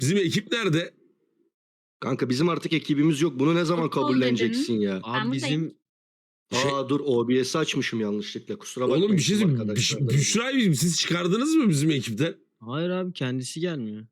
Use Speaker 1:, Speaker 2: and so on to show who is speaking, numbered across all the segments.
Speaker 1: Bizim ekip nerede?
Speaker 2: Kanka bizim artık ekibimiz yok. Bunu ne zaman
Speaker 3: Futbol
Speaker 2: kabulleneceksin
Speaker 3: dedin.
Speaker 2: ya?
Speaker 3: Ben
Speaker 4: Abi
Speaker 3: buradayım.
Speaker 4: bizim
Speaker 2: Aa dur OBS'i açmışım yanlışlıkla. Kusura bakmayın.
Speaker 1: Oğlum bir şey
Speaker 2: tüm
Speaker 1: diyeyim.
Speaker 2: arkadaşlar.
Speaker 1: Büşra'yı siz çıkardınız mı bizim ekipten?
Speaker 4: hayır abi kendisi gelmiyor.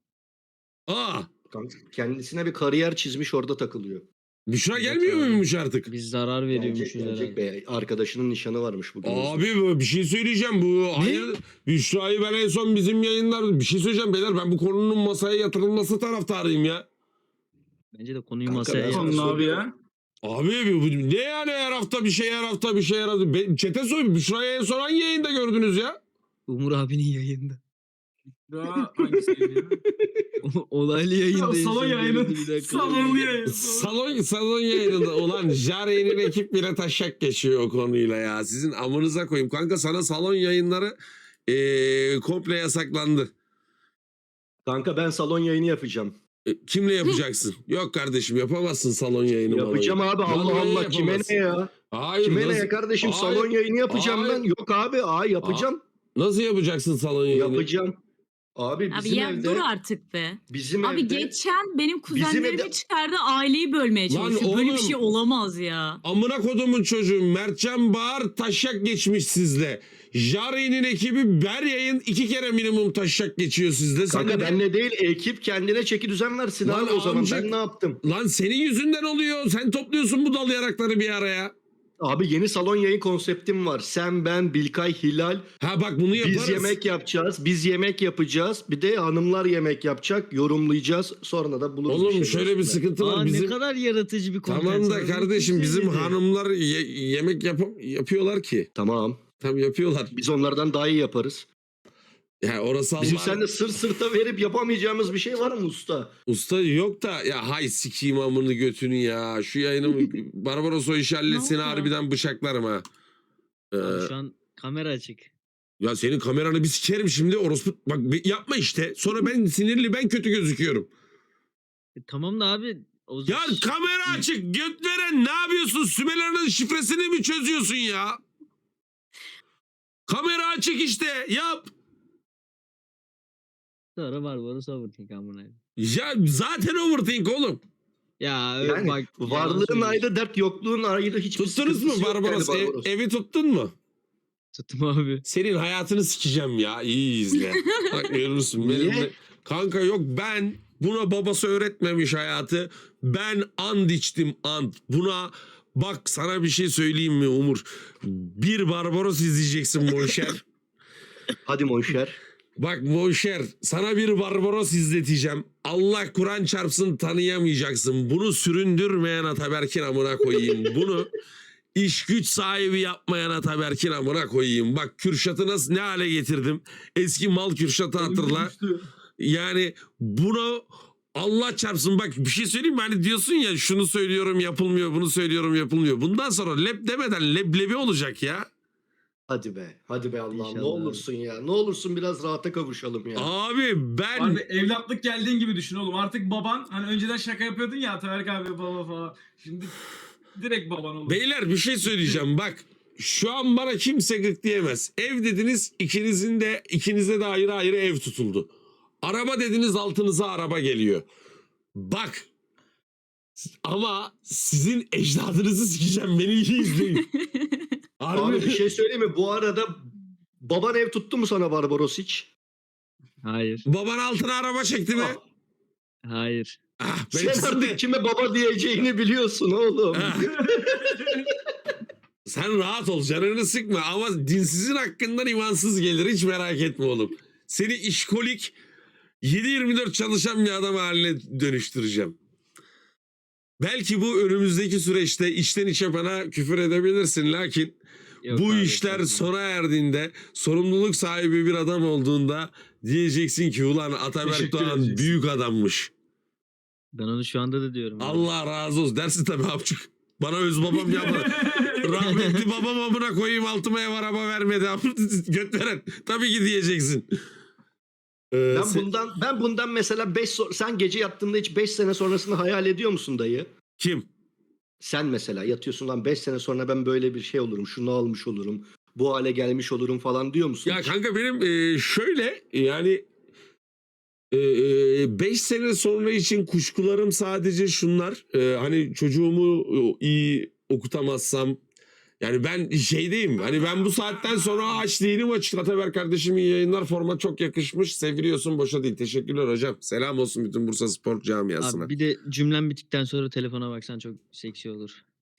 Speaker 1: Aa,
Speaker 2: Kanka, kendisine bir kariyer çizmiş orada takılıyor.
Speaker 1: Büşra
Speaker 4: Evet
Speaker 1: gelmiyor
Speaker 4: abi.
Speaker 1: muymuş artık?
Speaker 4: Biz zarar
Speaker 2: Gelecek,
Speaker 4: veriyormuşuz
Speaker 2: gelecek
Speaker 4: herhalde.
Speaker 2: be. Arkadaşının nişanı varmış bugün.
Speaker 1: Abi bir şey söyleyeceğim. Hayır, Büşra'yı ben en son bizim yayınlarda bir şey söyleyeceğim beyler. Ben bu konunun masaya yatırılması taraftarıyım ya.
Speaker 4: Bence de konuyu
Speaker 2: Kanka,
Speaker 4: masaya
Speaker 2: ben sana
Speaker 4: yatıralım.
Speaker 5: Konu abi ya.
Speaker 1: Abi ne yani her hafta bir şey her hafta bir şey her hafta. Çete soy Büşra'yı en son hangi yayında gördünüz ya?
Speaker 4: Umur abinin yayında.
Speaker 5: Daha hangisiydi ya?
Speaker 4: Olaylı yayında.
Speaker 5: Salon yayını. Salonlu yayın.
Speaker 1: Salon yayınında olan Jare'nin ekip bile taşak geçiyor o konuyla ya. Sizin amınıza koyayım. Kanka sana salon yayınları komple yasaklandı.
Speaker 2: Kanka ben salon yayını yapacağım.
Speaker 1: Kimle yapacaksın? Yok kardeşim yapamazsın salon yayını.
Speaker 2: Yapacağım abi. Allah
Speaker 1: Vallahi
Speaker 2: Allah. Kime
Speaker 1: yapamazsın.
Speaker 2: ne ya?
Speaker 1: Hayır.
Speaker 2: Kime
Speaker 1: nasıl,
Speaker 2: ne ya kardeşim?
Speaker 1: Hayır.
Speaker 2: Salon yayını yapacağım
Speaker 1: Hayır.
Speaker 2: ben. Yok abi. Yapacağım.
Speaker 1: Nasıl yapacaksın salon yayını?
Speaker 2: Yapacağım. Abi
Speaker 3: Abi
Speaker 2: bizim
Speaker 3: ya
Speaker 2: evde.
Speaker 3: dur artık be.
Speaker 2: Bizim
Speaker 3: Abi
Speaker 2: evde.
Speaker 3: geçen benim kuzenlerimi
Speaker 2: evde-
Speaker 3: çıkardı aileyi bölmeye
Speaker 1: Lan
Speaker 3: çalışıyor. Böyle bir
Speaker 1: oğlum.
Speaker 3: şey olamaz ya.
Speaker 1: Amına kodumun çocuğu Mertcan Bağır taşak geçmiş sizle. Jare'nin ekibi her yayın 2 kere minimum taşak geçiyor sizle.
Speaker 2: Kanka
Speaker 1: Sen de-
Speaker 2: benle değil ekip kendine çeki düzen versin
Speaker 1: Lan
Speaker 2: abi o zaman.
Speaker 1: amcık.
Speaker 2: Ben ne yaptım?
Speaker 1: Lan senin yüzünden oluyor. Sen topluyorsun bu dal yarakları bir araya.
Speaker 2: Abi yeni salon yayın konseptim var. Sen, ben, Bilkay, Hilal.
Speaker 1: Ha bak bunu yaparız.
Speaker 2: Biz yemek yapacağız. Biz yemek yapacağız. Bir de hanımlar yemek yapacak. Yorumlayacağız. Sonra da buluruz.
Speaker 1: Oğlum
Speaker 2: bir
Speaker 1: şöyle
Speaker 2: şeyler
Speaker 1: bir
Speaker 2: üstüne.
Speaker 1: sıkıntı var.
Speaker 4: Aa,
Speaker 1: Bizim...
Speaker 4: ne kadar yaratıcı bir kontent.
Speaker 1: Tamam da
Speaker 4: var.
Speaker 1: kardeşim
Speaker 4: Kim
Speaker 1: bizim
Speaker 4: söyledi?
Speaker 1: hanımlar yemek yapıyorlar ki.
Speaker 2: Tamam.
Speaker 1: Tabii yapıyorlar.
Speaker 2: Biz onlardan daha iyi yaparız.
Speaker 1: Ya orası
Speaker 2: Bizim
Speaker 1: Allah.
Speaker 2: seninle sırt sırta verip yapamayacağımız bir şey var mı usta?
Speaker 1: Usta yok da ya hay sikeyim amını götünü ya. Şu yayını Barbaros o işi halletsin
Speaker 3: Ne oldu?
Speaker 1: harbiden bıçaklarım ha.
Speaker 4: Abi şu an kamera açık.
Speaker 1: Ya senin kameranı bir sikerim şimdi orospu. Bak yapma işte. Sonra ben sinirli ben kötü gözüküyorum.
Speaker 4: Tamam da abi. O
Speaker 1: Ya kamera açık göt veren ne yapıyorsun? Sümelerinin şifresini mi çözüyorsun ya? Kamera açık işte yap.
Speaker 4: Sonra var overthink amına.
Speaker 1: Ya zaten overthink oğlum.
Speaker 4: Ya
Speaker 2: Yani
Speaker 4: bak.
Speaker 2: varlığın ayrı dert, yokluğun ayrı hiçbir
Speaker 1: Tuttunuz mu
Speaker 2: sıkıntısı yok
Speaker 1: Barbaros?
Speaker 2: yani Barbaros.
Speaker 1: Evi tuttun mu?
Speaker 4: Tuttum abi.
Speaker 1: Senin hayatını sikeceğim ya. İyi izle. Bak görürsün.
Speaker 2: Niye?
Speaker 1: Kanka yok ben buna babası öğretmemiş hayatı. Ben and içtim and. Buna bak sana bir şey söyleyeyim mi Umur? Bir Barbaros izleyeceksin Monşer.
Speaker 2: Hadi Monşer.
Speaker 1: Bak Monşer sana bir Barbaros izleteceğim. Allah Kur'an çarpsın tanıyamayacaksın. Bunu süründürmeyen Ataberk'in amına koyayım. Bunu iş güç sahibi yapmayan Ataberk'in amına koyayım. Bak Kürşat'ı nasıl ne hale getirdim. Eski mal Kürşat'ı hatırla. Yani bunu Allah çarpsın bak bir şey söyleyeyim mi? Hani diyorsun ya şunu söylüyorum yapılmıyor, bunu söylüyorum yapılmıyor. Bundan sonra lep demeden leblebi olacak ya.
Speaker 2: Hadi be. Hadi be Allah'ım. Ne
Speaker 4: İnşallah.
Speaker 2: olursun ya. Ne olursun biraz rahata kavuşalım ya.
Speaker 1: Abi ben
Speaker 5: Abi evlatlık geldiğin gibi düşün oğlum. Artık baban hani önceden şaka yapıyordun ya Ataberk abi baba falan. Şimdi direkt baban olur.
Speaker 1: beyler bir şey söyleyeceğim bak. Şu an bana kimse gık diyemez. Ev dediniz ikinize de ayrı ayrı ev tutuldu. Araba dediniz altınıza araba geliyor. Bak ama sizin ecdadınızı sikeceğim beni iyi izleyin.
Speaker 2: Abi bir şey söyleyeyim mi? Bu arada baban ev tuttu mu sana Barbaros hiç?
Speaker 4: Hayır.
Speaker 1: Baban altına araba çekti mi?
Speaker 2: Ah,
Speaker 4: Hayır.
Speaker 1: Ah,
Speaker 2: sen
Speaker 1: benimkisi de-
Speaker 2: artık kime baba diyeceğini biliyorsun oğlum.
Speaker 1: Ah. Sen rahat ol canını sıkma ama dinsizin hakkından imansız gelir hiç merak etme oğlum. Seni işkolik 7/24 çalışan bir adam haline dönüştüreceğim. Belki bu önümüzdeki süreçte içten içe bana küfür edebilirsin lakin
Speaker 4: Yok
Speaker 1: bu
Speaker 4: abi,
Speaker 1: işler
Speaker 4: tamam.
Speaker 1: sona erdiğinde sorumluluk sahibi bir adam olduğunda diyeceksin ki ulan Ataberk
Speaker 5: Teşekkür
Speaker 1: Doğan
Speaker 5: edeceksin.
Speaker 1: büyük adammış.
Speaker 4: Ben onu şu anda da diyorum. abi.
Speaker 1: Allah razı olsun dersin tabii amcık. Bana öz babam yapma. Rahmetli babam amına koyayım altıma ev araba vermedi. Göt veren. Tabii ki diyeceksin.
Speaker 2: Ben bundan mesela sen gece yattığında hiç 5 sene sonrasını hayal ediyor musun dayı?
Speaker 1: Kim?
Speaker 2: Sen mesela yatıyorsun lan 5 sene sonra ben böyle bir şey olurum, şunu almış olurum, bu hale gelmiş olurum falan diyor musun?
Speaker 1: Ya
Speaker 2: hiç?
Speaker 1: kanka benim şöyle yani 5 sene sonra için kuşkularım sadece şunlar. Hani çocuğumu iyi okutamazsam, yani ben şeydeyim. Hani ben bu saatten sonra aç değilim açık. Ataber kardeşim iyi yayınlar. Format çok yakışmış. Seviliyorsun, boşa değil. Teşekkürler hocam. Selam olsun bütün Bursa Spor camiasına.
Speaker 4: Abi bir de cümlem bittikten sonra telefona baksan çok seksi olur.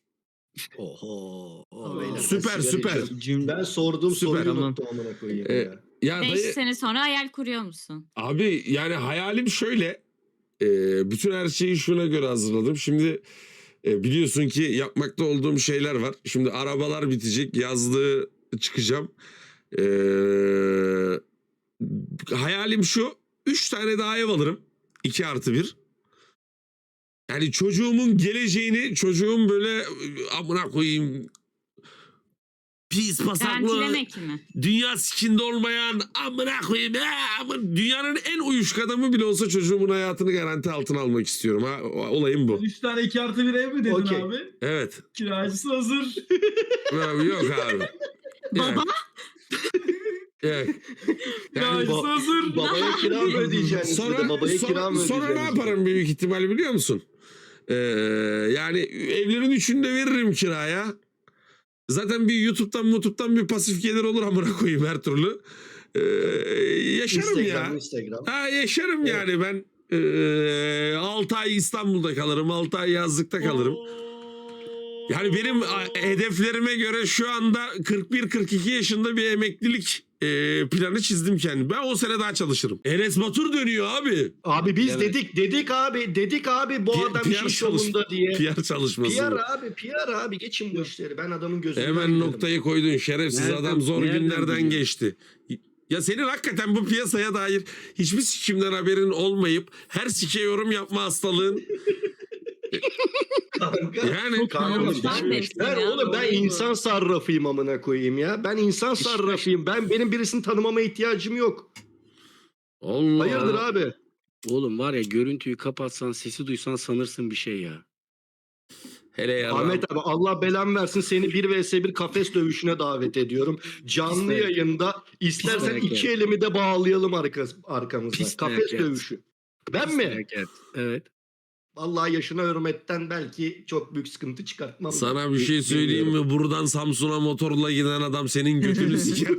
Speaker 2: Oho.
Speaker 5: Aa,
Speaker 2: Beyler, ben
Speaker 1: süper,
Speaker 2: sigara
Speaker 1: süper.
Speaker 2: içiyorum. Ben sorduğum
Speaker 1: Süper,
Speaker 2: soruyu
Speaker 4: tamam.
Speaker 2: unuttum amına koyayım
Speaker 1: Ee,
Speaker 2: ya.
Speaker 1: Ya
Speaker 3: 5
Speaker 1: dayı,
Speaker 3: sene sonra hayal kuruyor musun?
Speaker 1: abi yani hayalim şöyle. Bütün her şeyi şuna göre hazırladım. Şimdi biliyorsun ki yapmakta olduğum şeyler var. Şimdi arabalar bitecek. Yazlığı çıkacağım. Hayalim şu. 3 tane daha ev alırım. 2+1. Yani çocuğumun geleceğini, çocuğum böyle amına koyayım pis pasaklı,
Speaker 3: Garantilemek mi?
Speaker 1: dünya sikinde olmayan amına koyayım dünyanın en uyuşuk adamı bile olsa çocuğumun hayatını garanti altına almak istiyorum. Ha, olayım bu.
Speaker 5: 3 tane 2+1 ev mi dedin
Speaker 2: Okey.
Speaker 5: abi?
Speaker 1: Evet.
Speaker 5: Kiracısı hazır.
Speaker 1: Abi, yok abi.
Speaker 3: Baba
Speaker 1: Evet. Yani
Speaker 5: Kiracısı hazır.
Speaker 2: Babaya kira mı ödeyeceksin?
Speaker 1: sonra,
Speaker 2: Babaya kira
Speaker 1: sonra,
Speaker 2: mı
Speaker 1: sonra ne
Speaker 2: ödeyeceksin?
Speaker 1: yaparım büyük ihtimal biliyor musun? Yani evlerin üçünü de veririm kiraya. Zaten bir YouTube'dan bir pasif gelir olur amına koyayım her türlü. Yaşarım ya.
Speaker 2: Instagram.
Speaker 1: Ha, yaşarım
Speaker 2: Evet.
Speaker 1: yani ben 6 ay İstanbul'da kalırım, 6 ay yazlıkta kalırım. Yani benim hedeflerime göre şu anda 41-42 yaşında bir emeklilik planı çizdim kendim. Ben 10 sene daha çalışırım. Enes Batur dönüyor abi.
Speaker 2: Abi biz
Speaker 4: Evet.
Speaker 2: dedik abi bu adam
Speaker 1: PR
Speaker 2: iş yolunda diye.
Speaker 1: PR çalışması.
Speaker 2: PR abi geçin bu işleri. Ben adamın gözünden
Speaker 1: Hemen
Speaker 2: giderim.
Speaker 1: noktayı koydun şerefsiz
Speaker 4: Nereden-
Speaker 1: adam zor
Speaker 4: nereden
Speaker 1: günlerden
Speaker 4: biliyor?
Speaker 1: geçti. Ya senin hakikaten bu piyasaya dair hiçbir sikimden haberin olmayıp her sike yorum yapma hastalığın.
Speaker 2: Kanka.
Speaker 1: Yani
Speaker 2: Kanka,
Speaker 3: Yoldan geçtim
Speaker 2: ben
Speaker 3: ya,
Speaker 2: oğlum ben
Speaker 3: doğru.
Speaker 2: insan sarrafıyım amına koyayım ya. Ben insan sarrafıyım. Benim birisini tanımama ihtiyacım yok.
Speaker 1: Allah.
Speaker 2: Hayırdır abi?
Speaker 6: Oğlum var ya görüntüyü kapatsan sesi duysan sanırsın bir şey ya.
Speaker 1: Hele ya.
Speaker 2: Ahmet abi Allah belan versin seni 1vs1 kafes dövüşüne davet ediyorum. Canlı
Speaker 6: Pis
Speaker 2: yayında istersen
Speaker 6: dayak
Speaker 2: iki
Speaker 6: yer.
Speaker 2: elimi de bağlayalım arkamızda.
Speaker 6: Pis
Speaker 2: Kafes
Speaker 6: dayak yer.
Speaker 2: dövüşü. Ben mi?
Speaker 6: Evet. Evet.
Speaker 2: Vallahi yaşına hürmetten belki çok büyük sıkıntı çıkartmam.
Speaker 1: Sana bir şey söyleyeyim mi? Buradan Samsun'a motorla giden adam senin götünü siker.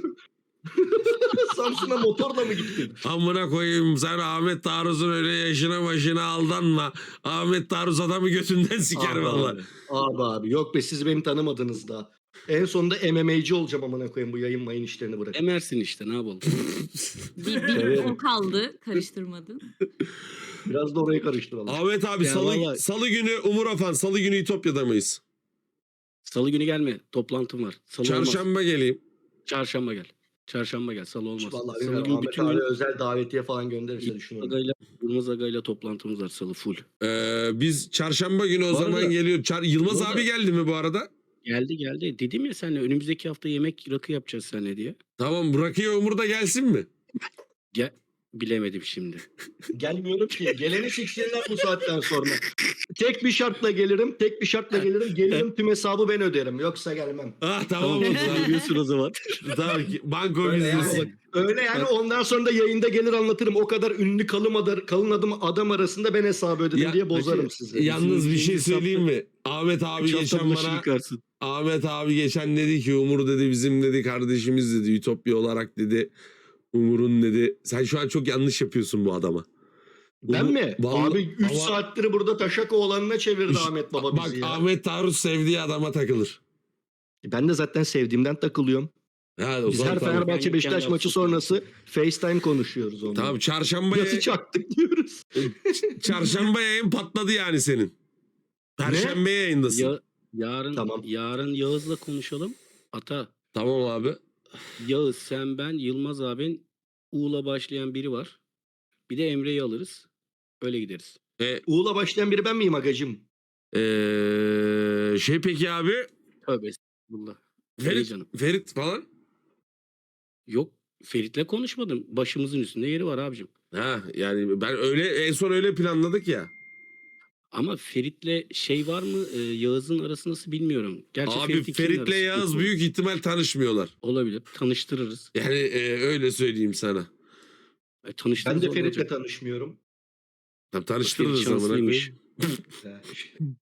Speaker 2: Samsun'a motorla mı gittin?
Speaker 1: Amına koyayım sen Ahmet Taarruz'un öyle yaşına başına aldanma. Ahmet Taarruz adamı götünden siker
Speaker 2: Abi,
Speaker 1: valla.
Speaker 2: abi yok be siz beni tanımadınız daha. En sonunda MMA'ci olacağım amına koyayım bu yayın mayın işlerini bırak.
Speaker 6: Emersin işte ne yapalım.
Speaker 3: bir o kaldı. Karıştırmadın.
Speaker 2: Biraz da orayı karıştıralım.
Speaker 1: Ahmet abi
Speaker 6: Ya
Speaker 1: salı,
Speaker 6: vallahi-
Speaker 1: salı günü Umur Afan, salı günü İtopya'da mıyız?
Speaker 6: Salı günü gelme. Toplantım var. Salı olmaz.
Speaker 1: Çarşamba geleyim.
Speaker 6: Çarşamba gel. Çarşamba gel. Salı olmaz.
Speaker 2: Vallahi
Speaker 6: Salı
Speaker 2: bilmiyorum,
Speaker 6: günü
Speaker 2: Ahmet
Speaker 6: bütün
Speaker 2: abi
Speaker 6: gün
Speaker 2: özel davetiye falan gönderirse düşünüyorum.
Speaker 6: Yılmaz Aga'yla toplantımız var salı full.
Speaker 1: Biz çarşamba günü o
Speaker 6: Bu
Speaker 1: zaman
Speaker 6: arada-
Speaker 1: geliyor. Yılmaz
Speaker 6: Bu arada-
Speaker 1: abi geldi mi bu arada?
Speaker 6: Geldi. Dedim ya seninle önümüzdeki hafta yemek rakı yapacağız seninle diye.
Speaker 1: Tamam Rakıya Umur da gelsin mi?
Speaker 6: Gel. Bilemedim şimdi.
Speaker 2: Gelmiyorum ki. Geleni siksinler bu saatten sonra. Tek bir şartla gelirim. Gelirim tüm hesabı ben öderim. Yoksa gelmem.
Speaker 1: Ah tamam o zaman.
Speaker 6: Biliyorsun o zaman.
Speaker 1: Tamam ki banko
Speaker 2: Öyle yani,
Speaker 1: bizdesi.
Speaker 2: öyle yani ondan sonra da yayında gelir anlatırım. O kadar ünlü kalın adam arasında ben hesabı ödedim
Speaker 1: Ya-
Speaker 2: diye bozarım sizi.
Speaker 1: Yalnız bir şey
Speaker 6: İkinci
Speaker 1: söyleyeyim mi? Ahmet abi
Speaker 6: 3 hafta
Speaker 1: geçen
Speaker 6: bulaşık
Speaker 1: bana
Speaker 6: yıkarsın.
Speaker 1: Ahmet abi geçen dedi ki Umur dedi bizim dedi kardeşimiz dedi Ütopya olarak dedi Umur'un dedi sen şu an çok yanlış yapıyorsun bu adama.
Speaker 2: Ben
Speaker 1: Umur-
Speaker 2: mi?
Speaker 1: Vallahi-
Speaker 2: Abi 3
Speaker 1: ama-
Speaker 2: saattir burada taşak oğlanına çevirdi
Speaker 1: İşte-
Speaker 2: Ahmet Baba
Speaker 1: Bak
Speaker 2: bizi ya.
Speaker 1: Ahmet Taarruz sevdiği adama takılır.
Speaker 2: Ben de zaten sevdiğimden takılıyorum.
Speaker 1: Ha, o
Speaker 2: Biz
Speaker 1: zaman
Speaker 2: her
Speaker 1: tamam.
Speaker 2: Fenerbahçe
Speaker 6: Ben
Speaker 2: Beşiktaş
Speaker 6: kendi
Speaker 2: maçı sonrası FaceTime konuşuyoruz onunla.
Speaker 1: Tamam çarşambaya,
Speaker 2: Nasıl çaktık diyoruz.
Speaker 1: çarşamba yayın patladı yani senin. Perşembe yayındasın.
Speaker 2: Tamam.
Speaker 6: Yarın Yağız'la konuşalım. Ata,
Speaker 1: Tamam abi.
Speaker 6: Yağız, sen, ben, Yılmaz abin, U'la başlayan biri var. Bir de Emre'yi alırız. Öyle gideriz.
Speaker 2: U'la başlayan biri ben miyim agacım?
Speaker 1: Peki abi
Speaker 6: Tövbe estağfurullah. İyi
Speaker 1: Ferit,
Speaker 6: canım.
Speaker 1: Ferit falan.
Speaker 6: Yok, Ferit'le konuşmadım. Başımızın üstünde yeri var abicim.
Speaker 1: Ha yani ben öyle en son öyle planladık ya.
Speaker 6: Ama Ferit'le şey var mı? Yağız'ın arası nasıl bilmiyorum. Gerçi
Speaker 1: Abi
Speaker 6: Ferit'in kimin
Speaker 1: Ferit'le
Speaker 6: arası
Speaker 1: Yağız
Speaker 6: sıkıntı?
Speaker 1: büyük ihtimal tanışmıyorlar.
Speaker 6: Olabilir. Tanıştırırız.
Speaker 1: Yani öyle söyleyeyim sana.
Speaker 2: Ben
Speaker 6: Tanıştığınız
Speaker 2: de
Speaker 6: olacak.
Speaker 2: Ferit'le tanışmıyorum.
Speaker 1: Tam tanıştırırız
Speaker 6: Ferit
Speaker 1: amına
Speaker 6: şanslıymış.
Speaker 1: koyayım.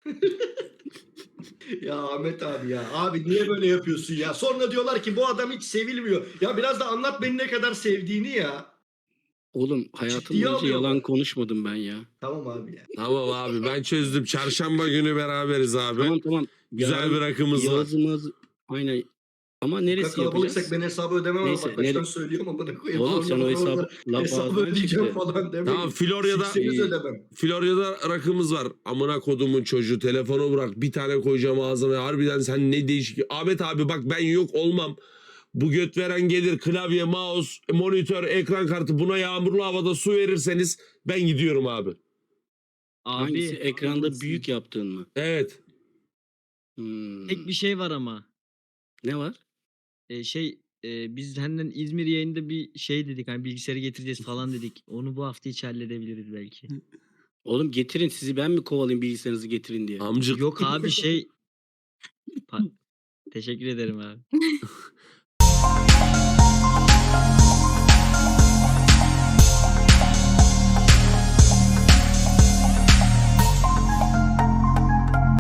Speaker 2: Ya Ahmet abi ya. Abi niye böyle yapıyorsun ya? Sonra diyorlar ki bu adam hiç sevilmiyor. Ya biraz da anlat beni ne kadar sevdiğini ya.
Speaker 6: Oğlum hayatım
Speaker 2: Ciddiye
Speaker 6: boyunca
Speaker 2: alıyorlar.
Speaker 6: yalan konuşmadım ben ya.
Speaker 2: Tamam abi ya.
Speaker 1: Tamam abi ben çözdüm. Çarşamba günü beraberiz abi.
Speaker 6: Tamam.
Speaker 1: Güzel
Speaker 6: Yarın
Speaker 1: bir rakımız var.
Speaker 6: Yağız'ımız aynen. Ama
Speaker 2: Bu kadar
Speaker 6: neresi
Speaker 2: kalabalıksak
Speaker 6: yapacağız?
Speaker 2: ben hesabı ödemem ama
Speaker 6: Neyse,
Speaker 2: bak baştan söylüyorum ama ne koyayım.
Speaker 6: Oğlum sen
Speaker 2: Sonra
Speaker 6: o
Speaker 2: orada
Speaker 6: hesabı laf
Speaker 2: hesabı
Speaker 6: ağzından
Speaker 2: ödeyeceğim
Speaker 6: çıktı.
Speaker 2: falan demeyin.
Speaker 1: Tamam Florya'da
Speaker 2: Sikseniz ödemem.
Speaker 1: Florya'da rakımız var. Amına kodumun çocuğu telefonu bırak. Bir tane koyacağım ağzıma. Harbiden sen ne değişik. Ahmet abi bak ben yok olmam. Bu göt veren gelir klavye, mouse, monitör, ekran kartı buna yağmurlu havada su verirseniz ben gidiyorum abi.
Speaker 6: Hangisi?
Speaker 4: Abi
Speaker 6: Ekranda büyük yaptığın mı?
Speaker 1: Evet.
Speaker 4: tek bir şey var ama.
Speaker 6: Ne var?
Speaker 4: Biz senden İzmir yayında bir şey dedik, hani bilgisayarı getireceğiz falan dedik. Onu bu hafta içi halledebiliriz belki.
Speaker 6: Oğlum getirin, sizi ben mi kovalayayım bilgisayarınızı getirin diye?
Speaker 1: Amcık.
Speaker 4: Yok abi Teşekkür ederim abi.